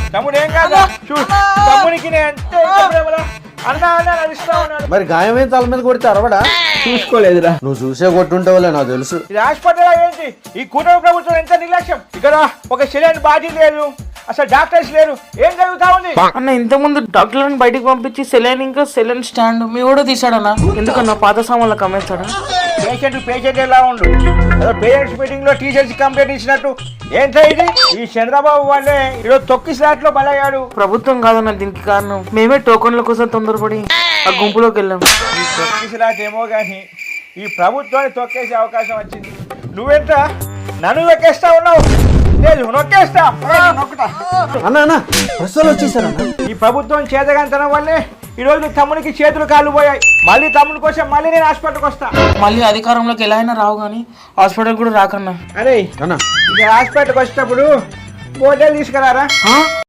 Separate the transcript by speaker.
Speaker 1: తమ్ముడు ఏం కాదా చూడు తమ్మునికి
Speaker 2: మరి గాయమైన తల మీద కొడితే అరవడా?
Speaker 1: చూసుకోలేదురా.
Speaker 2: నువ్వు చూసే కొట్టుంటావులే నాకు తెలుసు.
Speaker 1: ఇది హాస్పిటల్ ఏంటి ఈ కూటమి ప్రభుత్వం ఎంత నిర్లక్ష్యం. ఇక్కడ ఒక సెలైన్ బాడీ లేదు, అసలు డాక్టర్స్ లేరు, ఏం జరుగుతా ఉంది
Speaker 3: అన్న? ఇంత ముందు డాక్టర్లను బయటికి పంపించి సెలైన్ ఇంకా సెలైన్ స్టాండ్ మీ కూడా తీసాడన్నా. ఎందుకన్నా పాత సామాన్లకు అమ్మేస్తాడా?
Speaker 1: పేషెంట్ ఎలా ఉండు పేరెంట్స్ మీటింగ్ లో టీచర్స్ కంప్లైంట్ ఇచ్చినట్టు ఏంటో ఇది. ఈ చంద్రబాబు వాళ్ళే ఈరోజు తొక్కి స్లాట్ లో బలయ్యాడు.
Speaker 3: ప్రభుత్వం కాదన్న దీనికి కారణం. మేమే టోకన్ల కోసం తొందరపడి ఆ గుంపులోకి వెళ్ళాం.
Speaker 1: ఈ తొక్కి స్లాట్ ఏమో గానీ ఈ ప్రభుత్వాన్ని తొక్కేసే అవకాశం వచ్చింది. నువ్వెంత నన్ను నొక్కేస్తా ఉన్నావు? లేదు నొక్కేస్తా నొక్కుతా.
Speaker 2: అన్న ప్రశ్నలు వచ్చేసారన్న.
Speaker 1: ఈ ప్రభుత్వం చేతగాంతనం వల్లే ఈ రోజు తమ్మునికి చేతులు కాళ్ళు పోయాయి. మళ్ళీ తమ్ముని కోసం మళ్ళీ నేను హాస్పిటల్కి వస్తా.
Speaker 3: మళ్ళీ అధికారంలోకి ఎలా అయినా రావు కానీ హాస్పిటల్ కూడా రాకన్నా.
Speaker 1: అరే హాస్పిటల్కి వచ్చేటప్పుడు బోటల్ తీసుకురారా.